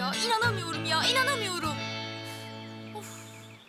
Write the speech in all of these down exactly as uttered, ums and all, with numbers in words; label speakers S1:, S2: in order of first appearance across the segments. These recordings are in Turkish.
S1: ya. İnanamıyorum ya. İnanamıyorum. Of.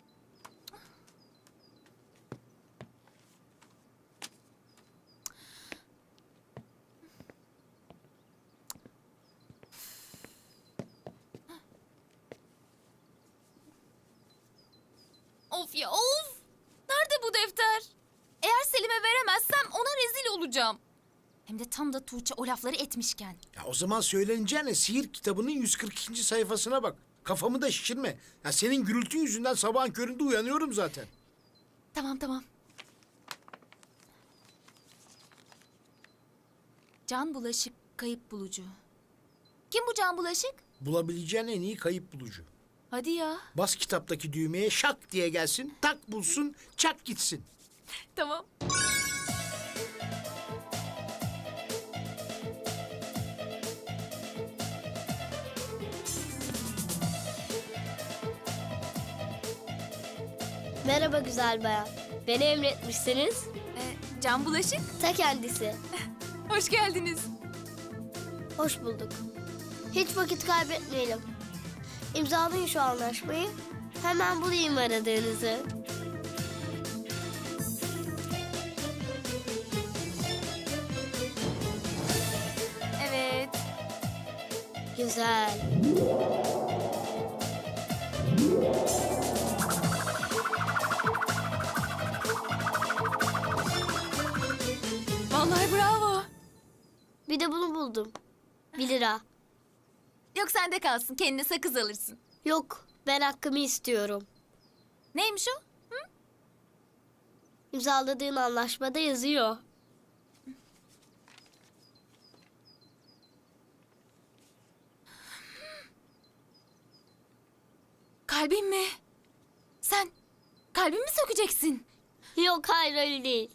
S1: Of ya of. Nerede bu defter? Eğer Selim'e veremezsem ona rezil olacağım. Hem de tam da Tuğçe o lafları etmişken.
S2: Ya o zaman söyleneceğine sihir kitabının yüz kırk ikinci sayfasına bak. Kafamı da şişirme. Ya senin gürültün yüzünden sabahın köründe uyanıyorum zaten.
S1: Tamam tamam. Can Bulaşık kayıp bulucu. Kim bu Can Bulaşık?
S2: Bulabileceğin en iyi kayıp bulucu.
S1: Hadi ya.
S2: Bas kitaptaki düğmeye şak diye gelsin, tak bulsun, çak gitsin.
S1: Tamam.
S3: Merhaba güzel bayan. Beni emretmişsiniz.
S1: Ee, Can Bulaşık.
S3: Ta kendisi.
S1: Hoş geldiniz.
S3: Hoş bulduk. Hiç vakit kaybetmeyelim. İmzalayın şu anlaşmayı. Hemen bulayım aradığınızı.
S1: Evet.
S3: Güzel.
S1: Vallahi bravo.
S3: Bir de bunu buldum. Bir lira.
S1: Yok sende kalsın. Kendine sakız alırsın.
S3: Yok, ben hakkımı istiyorum.
S1: Neymiş o?
S3: İmzaladığın anlaşmada yazıyor.
S1: Kalbim mi? Sen kalbimi mi sökeceksin?
S3: Yok, hayır öyle değil.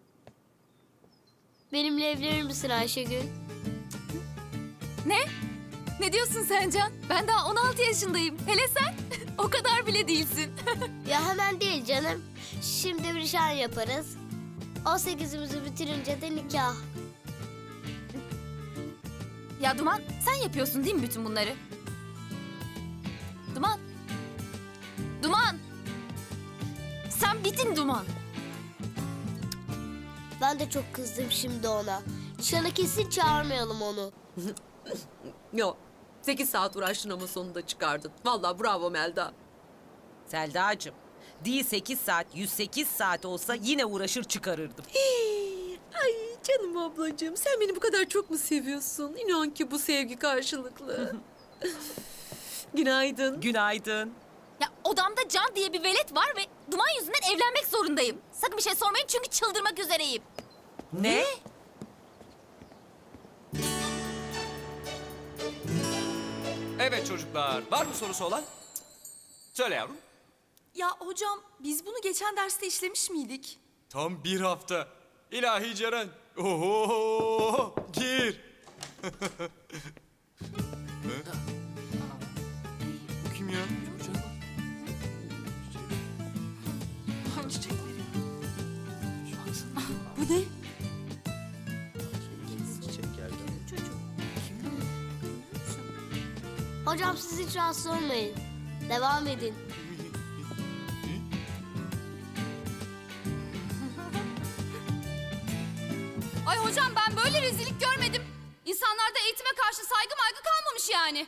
S3: Benimle evlenir misin Ayşegül?
S1: Ne? Ne diyorsun sen Can? Ben daha on altı yaşındayım. Hele sen? O kadar bile değilsin.
S3: Ya hemen değil canım. Şimdi bir nişan yaparız. on sekizimizi bitirince de nikah.
S1: Ya Duman, sen yapıyorsun değil mi bütün bunları? Duman. Duman. Sen bitin Duman.
S3: Ben de çok kızdım şimdi ona. Nişana kesin çağırmayalım onu.
S4: Yok. Sekiz saat uğraştın ama sonunda çıkardın. Vallahi bravo Melda.
S5: Selda'cığım, değil sekiz saat, yüz sekiz saat olsa yine uğraşır çıkarırdım.
S4: Ay canım ablacığım, sen beni bu kadar çok mu seviyorsun? İnan ki bu sevgi karşılıklı. Günaydın.
S5: Günaydın.
S1: Ya odamda Can diye bir velet var ve Duman yüzünden evlenmek zorundayım. Sakın bir şey sormayın çünkü çıldırmak üzereyim.
S5: Ne?
S6: Evet çocuklar, var mı sorusu olan? Söyle yavrum.
S7: Ya hocam biz bunu geçen derste işlemiş miydik?
S6: Tam bir hafta. İlahi Ceren. Oho, gir. Bu kim ya?
S7: Bu ne?
S3: Hocam siz hiç rahatsız olmayın. Devam edin.
S1: Ay hocam ben böyle rezillik görmedim. İnsanlarda eğitime karşı saygı maygı kalmamış yani.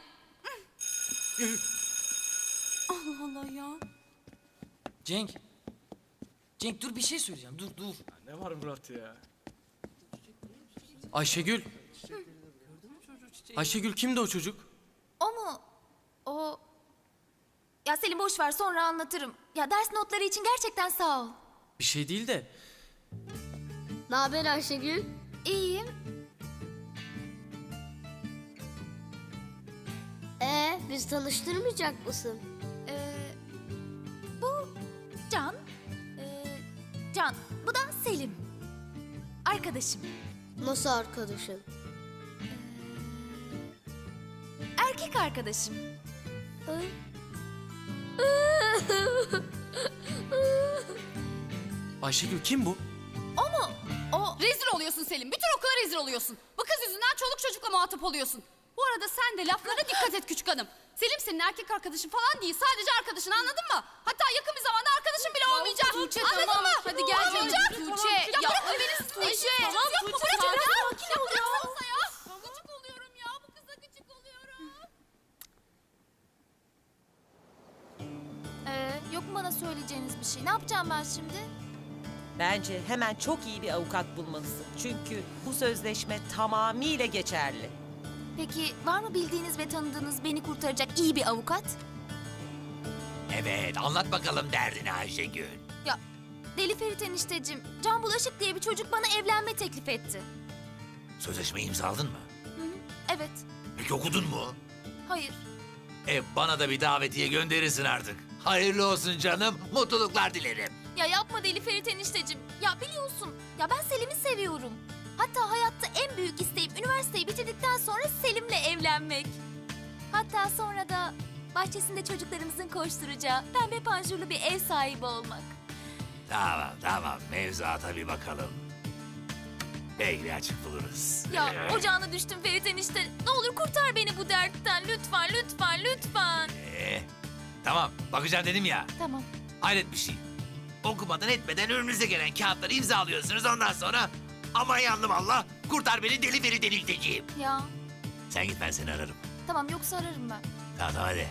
S7: Allah Allah ya.
S8: Cenk. Cenk dur bir şey söyleyeceğim. Dur dur.
S9: Ne var Murat ya?
S8: Ayşegül. Ayşegül kimdi o çocuk?
S1: O mu? O... Ya Selim boş ver sonra anlatırım. Ya ders notları için gerçekten sağ ol.
S8: Bir şey değil de.
S3: Ne haber Ayşegül?
S1: İyiyim.
S3: Ee, biz tanıştırmayacak mısın?
S1: Ee, bu Can. Ee, Can. Bu da Selim. Arkadaşım.
S3: Nasıl arkadaşın?
S1: Erkek arkadaşım.
S8: Ayşegül kim bu?
S1: O mu? O...
S7: Rezil oluyorsun Selim. Bütün okula rezil oluyorsun. Bu kız yüzünden çoluk çocukla muhatap oluyorsun. Bu arada sen de laflarına dikkat et küçük hanım.
S9: Selim senin erkek arkadaşın falan değil. Sadece arkadaşın, anladın mı? Hatta yakın bir zamanda arkadaşın bile olmayacak.
S1: Tuğçe,
S9: anladın
S1: tamam.
S9: mı?
S1: Hadi gel canım.
S9: Olmayacak.
S1: Tuğçe,
S9: Ya,
S1: ya,
S9: bırakın beni siz Tuğçe.
S1: Tamam,
S9: Yapma,
S1: Tuğçe,
S9: bırakın
S1: sakin
S9: ya.
S1: ol
S9: Ya bıraksanıza ya. Gıcık oluyorum ya. Bu kıza gıcık oluyorum.
S1: Ee, yok mu bana söyleyeceğiniz bir şey? Ne yapacağım ben şimdi?
S5: Bence hemen çok iyi bir avukat bulmalısın. Çünkü bu sözleşme tamamıyla geçerli.
S1: Peki var mı bildiğiniz ve tanıdığınız beni kurtaracak iyi bir avukat?
S10: Evet, anlat bakalım derdini Ayşegül.
S1: Ya Deli Ferit enişteciğim, Can Bulaşık diye bir çocuk bana evlenme teklif etti.
S10: Sözleşmeyi imzaladın mı?
S1: Hı hı, evet,
S10: Peki okudun mu?
S1: hayır.
S10: E bana da bir davetiye gönderirsin artık. Hayırlı olsun canım, mutluluklar dilerim.
S1: Ya yapma Deli Ferit enişteciğim. Ya biliyorsun, ya ben Selim'i seviyorum. Hatta hayatta en büyük isteğim üniversiteyi bitirdikten sonra Selim'le evlenmek. Hatta sonra da bahçesinde çocuklarımızın koşturacağı pembe panjurlu bir ev sahibi olmak.
S10: Tamam, tamam. Mevzuata bir bakalım. Belki açık buluruz.
S1: Ya ocağına düştüm Ferit enişte. Ne olur kurtar beni bu dertten. Lütfen, lütfen, lütfen.
S10: Ee, tamam, bakacağım dedim ya.
S1: Tamam.
S10: Hayret bir şey. Okumadan etmeden önünüze gelen kağıtları imzalıyorsunuz. Ondan sonra aman yandım Allah, kurtar beni deli veri delirteceğim.
S1: Ya
S10: Sen git, ben seni ararım.
S1: tamam, yoksa ararım ben.
S10: Tamam, tamam hadi.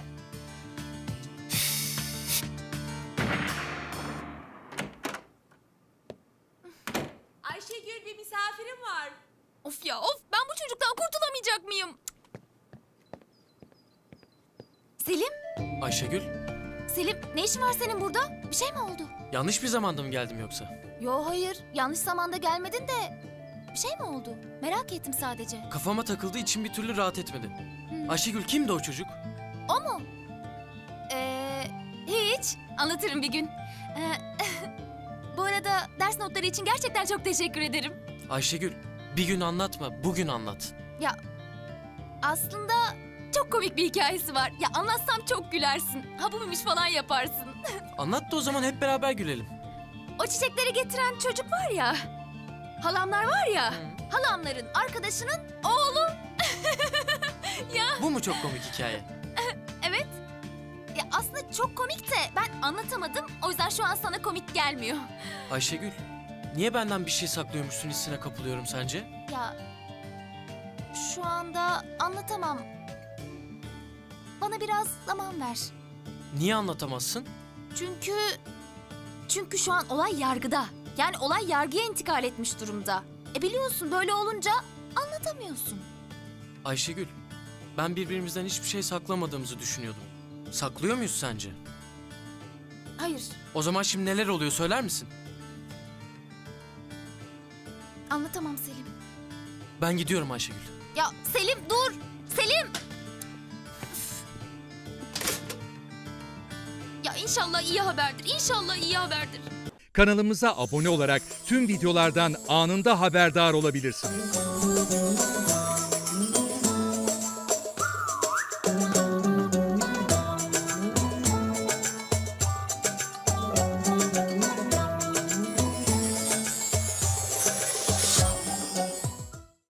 S7: Ayşegül, bir misafirim var.
S1: Of ya of, ben bu çocuktan kurtulamayacak mıyım? Selim,
S8: Ayşegül,
S1: Selim ne işin var senin burada? Bir şey mi oldu?
S8: yanlış bir zamanda mı geldim yoksa?
S1: Yo hayır, yanlış zamanda gelmedin de bir şey mi oldu? Merak ettim sadece.
S8: Kafama takıldı, içim bir türlü rahat etmedi. Ayşegül kimdi o çocuk?
S1: O mu? Ee, hiç. Anlatırım bir gün. Ee, bu arada ders notları için gerçekten çok teşekkür ederim.
S8: Ayşegül, bir gün anlatma, bugün anlat.
S1: Ya aslında çok komik bir hikayesi var. Ya anlatsam çok gülersin. Ha bu muymuş falan yaparsın.
S8: Anlat da o zaman hep beraber gülelim.
S1: O çiçekleri getiren çocuk var ya. Halamlar var ya. Halamların arkadaşının oğlu. Ya
S8: Bu mu çok komik hikaye?
S1: evet. Ya aslında çok komik de ben anlatamadım. O yüzden şu an sana komik gelmiyor.
S8: Ayşegül, niye benden bir şey saklıyormuşsun hissine kapılıyorum sence?
S1: Ya şu anda anlatamam. Bana biraz zaman ver.
S8: Niye anlatamazsın?
S1: Çünkü çünkü şu an olay yargıda. Yani olay yargıya intikal etmiş durumda. E biliyorsun böyle olunca anlatamıyorsun.
S8: Ayşegül, ben birbirimizden hiçbir şey saklamadığımızı düşünüyordum. Saklıyor muyuz sence?
S1: Hayır,
S8: O zaman şimdi neler oluyor söyler misin?
S1: anlatamam Selim.
S8: Ben gidiyorum Ayşegül.
S1: Ya Selim dur! Selim! Ya inşallah iyi haberdir. İnşallah iyi haberdir.
S11: Kanalımıza abone olarak tüm videolardan anında haberdar olabilirsiniz.